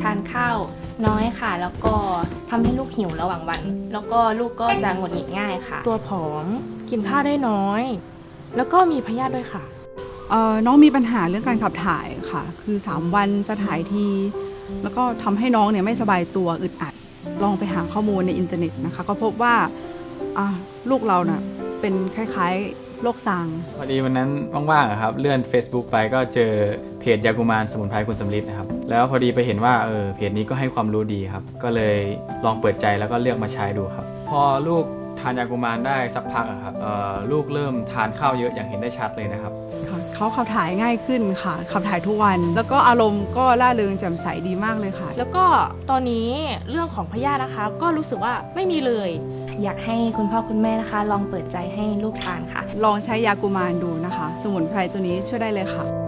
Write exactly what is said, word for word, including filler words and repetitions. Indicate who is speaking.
Speaker 1: ทานข้าวน้อยค่ะแล้วก็ทำให้ลูกหิวระหว่างวันแล้วก็ลูกก็จะหงุดหงิดง่ายค่ะ
Speaker 2: ตัวผอมกินข้าวได้น้อยแล้วก็มีพยาธิด้วยค่ะ
Speaker 3: เอ่อน้องมีปัญหาเรื่องการขับถ่ายค่ะคือสามวันจะถ่ายทีแล้วก็ทำให้น้องเนี่ยไม่สบายตัวอึดอัดลองไปหาข้อมูลในอินเทอร์เน็ตนะคะก็พบว่าอ่ะลูกเราน่ะเป็นคล้ายๆโรคซาง
Speaker 4: พอดีวันนั้นว่างๆครับเลื่อน Facebook ไปก็เจอเพจยากุมารสมุนไพรคุณสำลิดนะครับแล้วพอดีไปเห็นว่าเออเพจนี้ก็ให้ความรู้ดีครับก็เลยลองเปิดใจแล้วก็เลือกมาใช้ดูครับพอลูกทานยากุมารได้สักพักอะครับลูกเริ่มทานข้าวเยอะอย่างเห็นได้ชัดเลยนะครับ
Speaker 3: เขาขับถ่ายง่ายขึ้นค่ะขับถ่ายทุกวันแล้วก็อารมณ์ก็ร่าเริงแจ่มใสดีมากเลยค่ะ
Speaker 2: แล้วก็ตอนนี้เรื่องของพยาธินะคะก็รู้สึกว่าไม่มีเลย
Speaker 1: อยากให้คุณพ่อคุณแม่นะคะลองเปิดใจให้ลูกทานค่ะ
Speaker 3: ลองใช้ยากุมารดูนะคะสมุนไพรตัวนี้ช่วยได้เลยค่ะ